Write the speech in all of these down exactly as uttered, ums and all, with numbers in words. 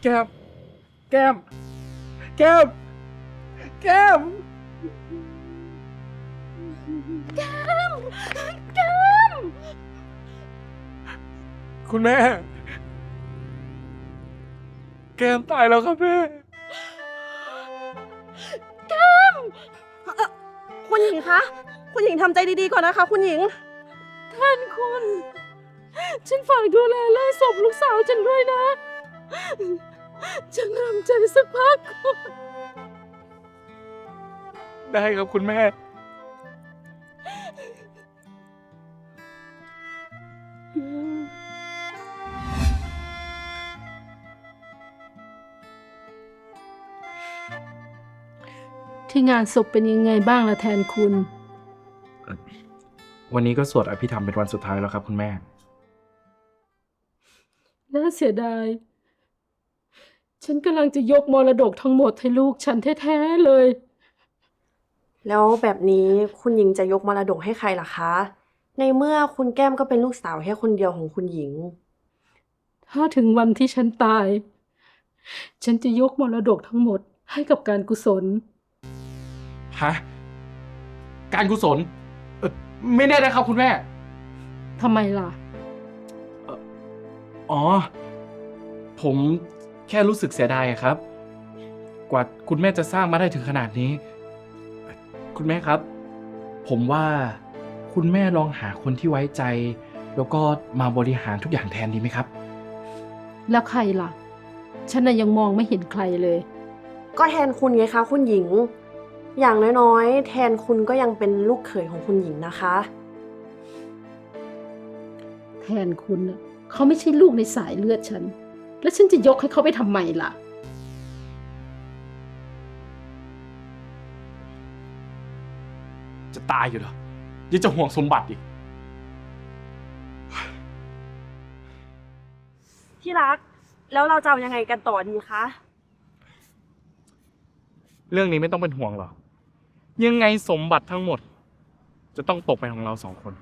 แก้มแก้มแก้มแก้มแก้มแก้มคุณแม่แก้มตายแล้วครับแม่แก้มคุณหญิงคะคุณหญิงทำใจดีๆก่อนนะคะคุณหญิงท่านคุณฉันฝากดูแลไล่ศพลูกสาวฉันด้วยนะฉันทำใจสักพักได้ครับคุณแม่ที่งานศพเป็นยังไงบ้างล่ะแทนคุณวันนี้ก็สวดอภิธรรมเป็นวันสุดท้ายแล้วครับคุณแม่น่าเสียดาย ฉันกำลังจะยกมรดกทั้งหมดให้ลูกฉันแท้ๆเลยแล้วแบบนี้คุณหญิงจะยกมรดกให้ใครล่ะคะ ในเมื่อคุณแก้มก็เป็นลูกสาวแค่คนเดียวของคุณหญิงถ้าถึงวันที่ฉันตาย ฉันจะยกมรดกทั้งหมดให้กับการกุศลฮะ การกุศลเอ่อไม่แน่นะครับคุณแม่ทำไมล่ะอ๋อ ผมแค่รู้สึกเสียดายครับ กว่าคุณแม่จะสร้างมาได้ถึงขนาดนี้ คุณแม่ครับ ผมว่าคุณแม่ลองหาคนที่ไว้ใจ แล้วก็มาบริหารทุกอย่างแทนดีไหมครับแล้วใครล่ะ ฉันน่ะยังมองไม่เห็นใครเลยก็แทนคุณไงคะคุณหญิง อย่างน้อยๆแทนคุณก็ยังเป็นลูกเขยของคุณหญิงนะคะแทนคุณน่ะเขาไม่ใช่ลูกในสายเลือดฉัน แล้วฉันจะยกให้เขาไปทำไมล่ะจะตายอยู่เหรอยังจะห่วงสมบัติอีกที่รัก แล้วเราจะเอายังไงกันต่อดีคะเรื่องนี้ไม่ต้องเป็นห่วงหรอก ยังไงสมบัติทั้งหมด จะต้องตกเป็นของเราสองคน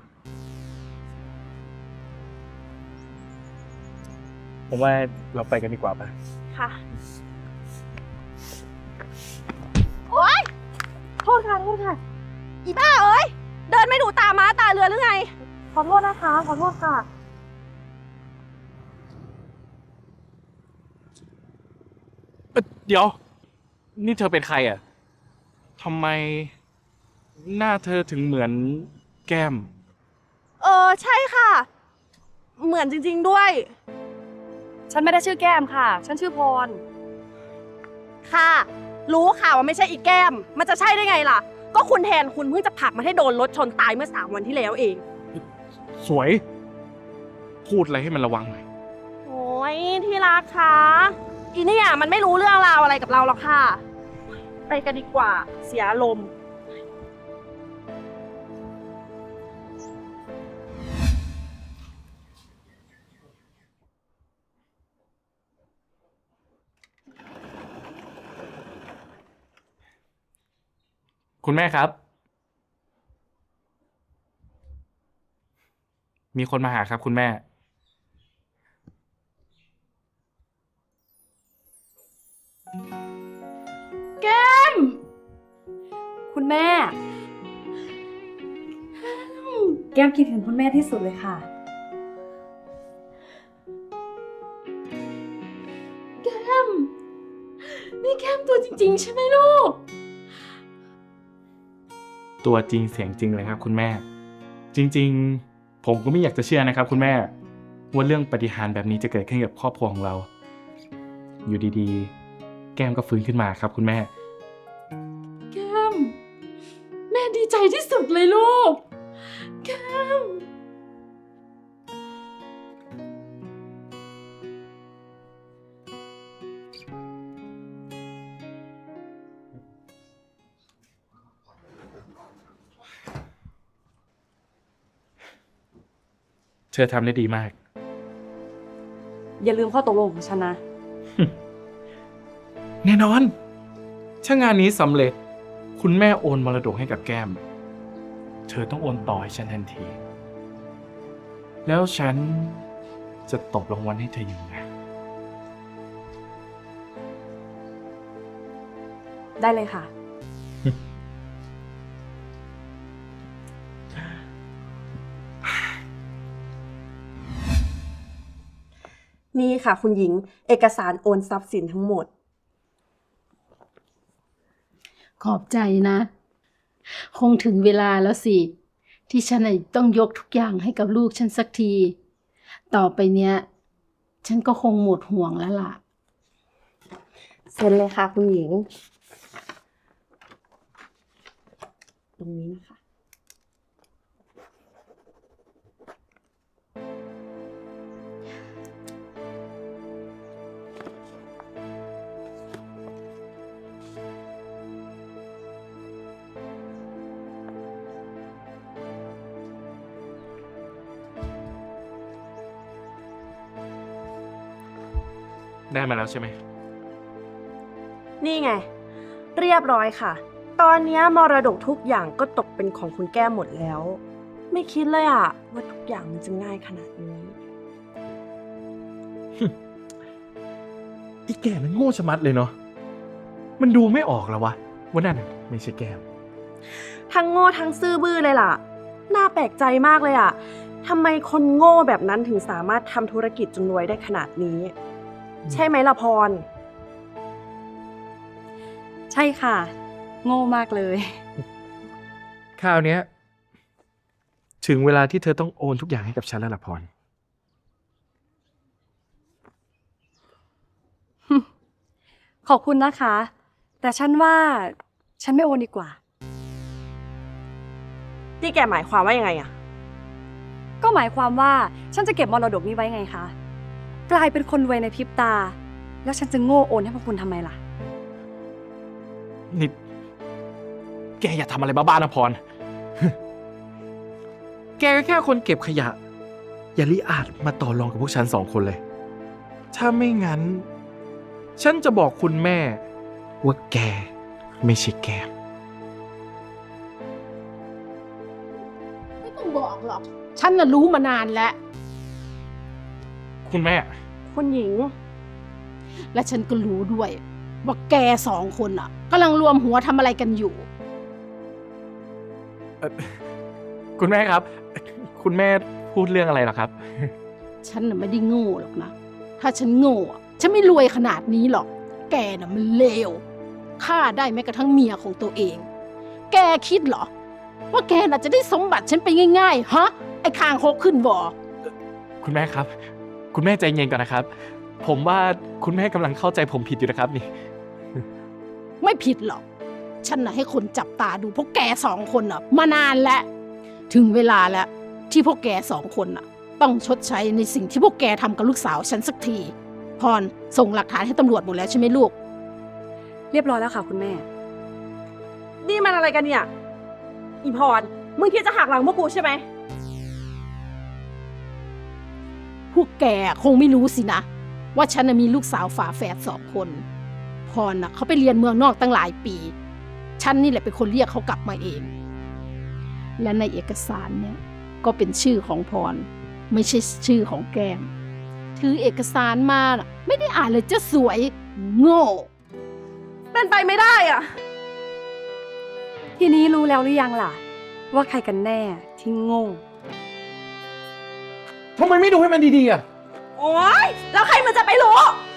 ผมว่าเราไปกันดีกว่าไปค่ะ โอ๊ย โทษค่ะ โทษค่ะ อีบ้าเอ้ย เดินไม่ดูตาม้าตาเรือหรือไง ขอโทษนะคะ ขอโทษค่ะเอ่อเดี๋ยว นี่เธอเป็นใครอ่ะทำไมหน้าเธอถึงเหมือนแก้มเออ ใช่ค่ะ เหมือนจริงๆด้วยฉันไม่ได้ชื่อแก้มค่ะ ฉันชื่อพรค่ะ รู้ค่ะว่าไม่ใช่อีกแก้ม มันจะใช่ได้ไงล่ะ ก็คุณแทนคุณเพิ่งจะผลักมันให้โดนรถชนตายเมื่อสามวันที่แล้วเองสวย พูดอะไรให้มันระวังหน่อยโอ้ยที่รักคะอีเนี่ยมันไม่รู้เรื่องราวอะไรกับเราหรอกค่ะ ไปกันดีกว่า เสียอารมณ์คุณแม่ครับ มีคนมาหาครับคุณแม่แก้มคุณแม่ แก้มคิดถึงคุณแม่ที่สุดเลยค่ะแก้ม นี่แก้มตัวจริงๆใช่ไหมลูกตัวจริงเสียงจริงเลยครับคุณแม่ จริงๆ ผมก็ไม่อยากจะเชื่อนะครับคุณแม่ ว่าเรื่องปาฏิหาริย์แบบนี้จะเกิดขึ้นกับครอบครัวของเรา อยู่ดีๆ แก้มก็ฟื้นขึ้นมาครับคุณแม่แก้ม แม่ดีใจที่สุดเลยลูก แก้มเธอทำได้ดีมากอย่าลืมข้อตกลงของฉันนะแน่นอน ถ้างานนี้สำเร็จ คุณแม่โอนมรดกให้กับแก้ม เธอต้องโอนต่อให้ฉันทันที แล้วฉันจะตบรางวัลให้เธออยู่ไงได้เลยค่ะนี่ค่ะคุณหญิง เอกสารโอนทรัพย์สินทั้งหมดขอบใจนะ คงถึงเวลาแล้วสิ ที่ฉันน่ะต้องยกทุกอย่างให้กับลูกฉันสักที ต่อไปเนี้ย ฉันก็คงหมดห่วงแล้วล่ะเซ็นเลยค่ะคุณหญิง ตรงนี้นะคะได้มาแล้วใช่ไหมนี่ไง เรียบร้อยค่ะ ตอนนี้มรดกทุกอย่างก็ตกเป็นของคุณแก้มหมดแล้ว ไม่คิดเลยอะว่าทุกอย่างมันจะง่ายขนาดนี้ไอ้แกมันโง่ชะมัดเลยเนาะ มันดูไม่ออกแล้ววะว่านั่นน่ะไม่ใช่แก้มทั้งโง่ทั้งซื่อบื้อเลยล่ะ น่าแปลกใจมากเลยอะทำไมคนโง่แบบนั้นถึงสามารถทำธุรกิจจนรวยได้ขนาดนี้ ใช่ไหมล่ะพรใช่ค่ะ โง่มากเลยคราวเนี้ยถึงเวลาที่เธอต้องโอนทุกอย่างให้กับฉันแล้วล่ะพรขอบคุณนะคะ แต่ฉันว่าฉันไม่โอนดีกว่าที่แกหมายความว่ายังไงอะก็หมายความว่าฉันจะเก็บมรดกนี้ไว้ไงคะ กลายเป็นคนรวยในพริบตา แล้วฉันจะโง่โอนให้พวกคุณทำไมล่ะนี่ แกอย่าทำอะไรบ้าๆนะพร แกก็แค่คนเก็บขยะ อย่าลิอาจมาต่อรองกับพวกฉันสองคนเลย ถ้าไม่งั้น ฉันจะบอกคุณแม่ ว่าแกไม่ใช่แกมไม่ต้องบอกหรอก ฉันน่ะรู้มานานแล้วคุณแม่คุณหญิงและฉันก็รู้ด้วย ว่าแกสองคนอ่ะกำลังรวมหัวทำอะไรกันอยู่คุณแม่ครับ คุณแม่พูดเรื่องอะไรเหรอครับฉันน่ะไม่ได้โง่หรอกนะ ถ้าฉันโง่อะฉันไม่รวยขนาดนี้หรอก แกน่ะมันเลวฆ่าได้แม้กระทั่งเมียของตัวเอง แกคิดเหรอ ว่าแกน่ะจะได้สมบัติฉันไปง่ายๆ ฮะ ไอ้คางคกขึ้นบ่อคุณแม่ครับ คุณแม่ใจเย็นก่อนนะครับ ผมว่าคุณแม่กำลังเข้าใจผมผิดอยู่นะครับนี่ไม่ผิดหรอก ฉันน่ะให้คนจับตาดูพวกแกสองคนน่ะ มานานแล้ว ถึงเวลาแล้วที่พวกแกสองคนน่ะ ต้องชดใช้ในสิ่งที่พวกแกทำกับลูกสาวฉันสักที พรส่งหลักฐานให้ตำรวจหมดแล้วใช่ไหมลูกเรียบร้อยแล้วค่ะคุณแม่นี่มันอะไรกันเนี่ย อีพร มึงคิดจะหักหลังพวกกูใช่ไหมพวกแกคงไม่รู้สินะ ว่าฉันน่ะมีลูกสาวฝาแฝดสองคน พรน่ะเขาไปเรียนเมืองนอกตั้งหลายปี ฉันนี่แหละเป็นคนเรียกเขากลับมาเอง และในเอกสารเนี่ยก็เป็นชื่อของพร ไม่ใช่ชื่อของแก้ม ถือเอกสารมาน่ะไม่ได้อ่านเลยจะสวย โง่เป็นไปไม่ได้อะทีนี้รู้แล้วหรือยังล่ะ ว่าใครกันแน่ที่โง่ทำไมไม่ดูให้มันดีๆอ่ะโอ๊ย แล้วใครมันจะไปรู้